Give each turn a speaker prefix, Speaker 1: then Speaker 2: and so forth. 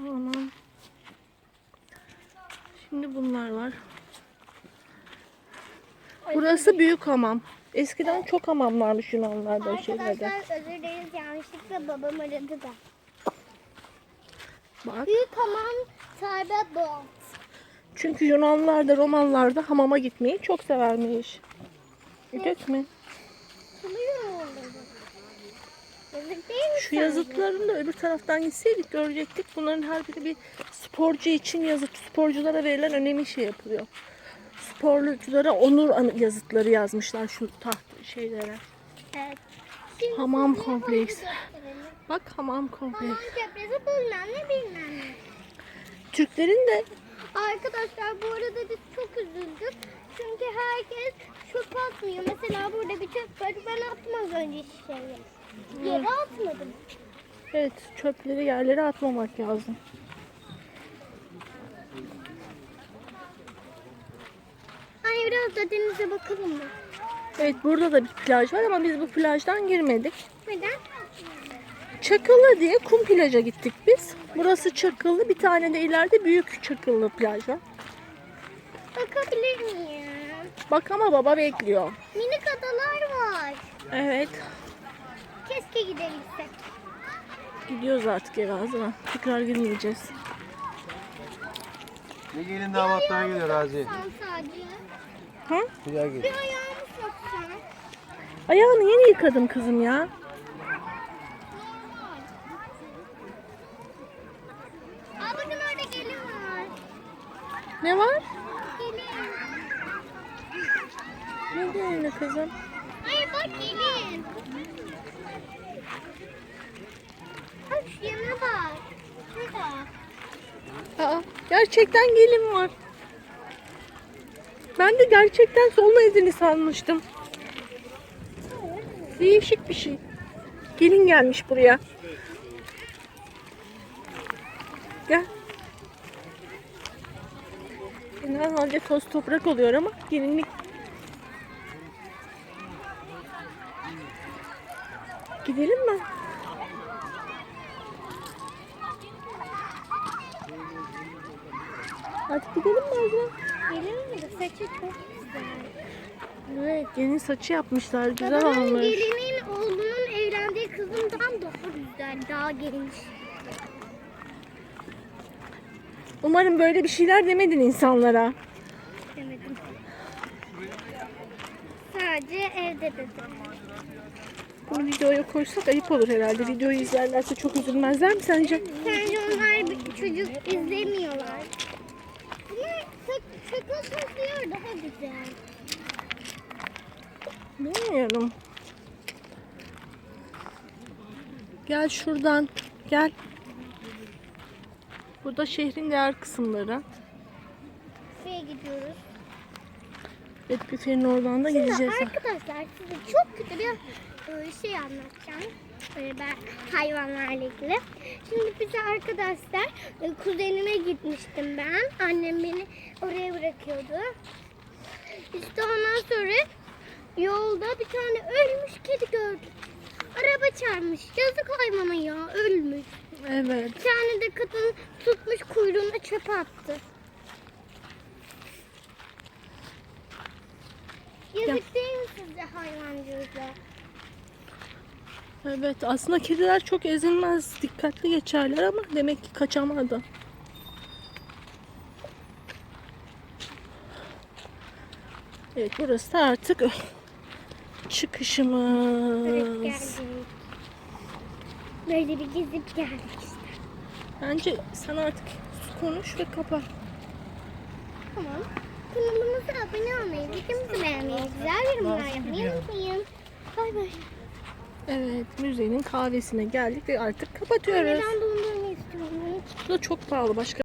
Speaker 1: Tamam. Şimdi bunlar var. Burası büyük hamam. Eskiden çok hamam varmış Yunanlarda o şeylerde.
Speaker 2: Arkadaşlar özür dileriz, yanlışlıkla babam aradı da.
Speaker 1: Bak.
Speaker 2: Büyük hamam Taybat.
Speaker 1: Çünkü Yunanlılar da Romalılar da hamama gitmeyi çok severmiş. Gördük mü? Şu yazıtların da öbür taraftan gitseydik görecektik. Bunların her biri bir sporcu için yazıt. Sporculara verilen önemli şey yapılıyor. Sporculara onur yazıtları yazmışlar şu taht şeylere.
Speaker 2: Evet.
Speaker 1: Hamam kompleksi. Bak hamam kompleksi.
Speaker 2: Hamam kompleksi bilmem ne.
Speaker 1: Türklerin de
Speaker 2: Arkadaşlar bu arada biz çok üzüldük. Çünkü herkes çöp atmıyor. Mesela burada bir çöp var. Ben atmam önce şişeyi. Yere atmadım.
Speaker 1: evet çöpleri yerlere atmamak lazım.
Speaker 2: Hani biraz da denize bakalım mı?
Speaker 1: Evet burada da bir plaj var ama biz bu plajdan girmedik.
Speaker 2: Neden?
Speaker 1: Çakıllı diye kum plaja gittik biz. Burası Çakıllı. Bir tane de ileride büyük Çakıllı plaj var.
Speaker 2: Bakabilir miyim?
Speaker 1: Bak ama baba bekliyor.
Speaker 2: Minik adalar var.
Speaker 1: Evet.
Speaker 2: Keşke gidebilsek.
Speaker 1: Gidiyoruz artık eve ağzına. Tekrar girmeyeceğiz.
Speaker 3: Ne gelin damatlar geliyor Razi.
Speaker 2: Sen sadece.
Speaker 1: Hı?
Speaker 3: Güzel geliyor.
Speaker 2: Bir ayağımı soksan.
Speaker 1: Ayağını yeni yıkadım kızım ya.
Speaker 2: Aa bakın orada gelin var.
Speaker 1: Ne var?
Speaker 2: Gelin.
Speaker 1: Ne diyorsun kızım?
Speaker 2: Hayır bak gelin. Bak şu yana bak. Şurada.
Speaker 1: Aa, gerçekten gelin var. Ben de gerçekten solma izini sanmıştım. Değişik bir şey. Gelin gelmiş buraya. Gel. Genelde toz toprak oluyor ama gelinlik. Gidelim mi? Hadi gidelim mi abla?
Speaker 2: Gelin mi? Saçı çok güzel.
Speaker 1: Evet, yeni saçı yapmışlar. Güzel
Speaker 2: Babamın
Speaker 1: olmuş.
Speaker 2: gelinin oğlunun evlendiği kızından daha güzel, daha geniş.
Speaker 1: Umarım böyle bir şeyler demedin insanlara.
Speaker 2: Demedim. Sadece evde dedim.
Speaker 1: Bunu videoya koysak ayıp olur herhalde. Videoyu izlerlerse çok üzülmezler mi sence?
Speaker 2: Sence onlar bir çocuk izlemiyorlar. Bunlar sakın sözlüyor daha güzel.
Speaker 1: Bilmiyorum. Gel şuradan. Gel. Burada şehrin diğer kısımları.
Speaker 2: Şuraya gidiyoruz.
Speaker 1: Evet, büfenin oradan da
Speaker 2: Şimdi
Speaker 1: gideceğiz.
Speaker 2: arkadaşlar size çok kötü bir şey anlatacağım. Ben hayvanlarla ilgili. Şimdi bize arkadaşlar kuzenime gitmiştim ben. Annem beni oraya bırakıyordu. İşte ondan sonra yolda bir tane ölmüş kedi gördük. Araba çarpmış. Yazık hayvana ya, ölmüş.
Speaker 1: Evet.
Speaker 2: Bir tane de kadın tutmuş kuyruğuna çöpe attı. Yazık değil mi sizce hayvancılıkla?
Speaker 1: Evet. Aslında kediler çok ezilmez. Dikkatli geçerler ama demek ki kaçamadı. Evet, burası da artık çıkışımız.
Speaker 2: Evet, geldik. Böyle bir gezip geldik işte.
Speaker 1: Bence sen artık konuş ve kapat.
Speaker 2: Tamam. Kanalımıza abone olmayı, videomuzu beğenmeyi, güzel yorumlar yapmayı unutmayın. Bay bay.
Speaker 1: Evet, müzenin kahvesine geldik ve artık kapatıyoruz.
Speaker 2: Ben dondurma istiyorum.
Speaker 1: Bu da çok pahalı. Başka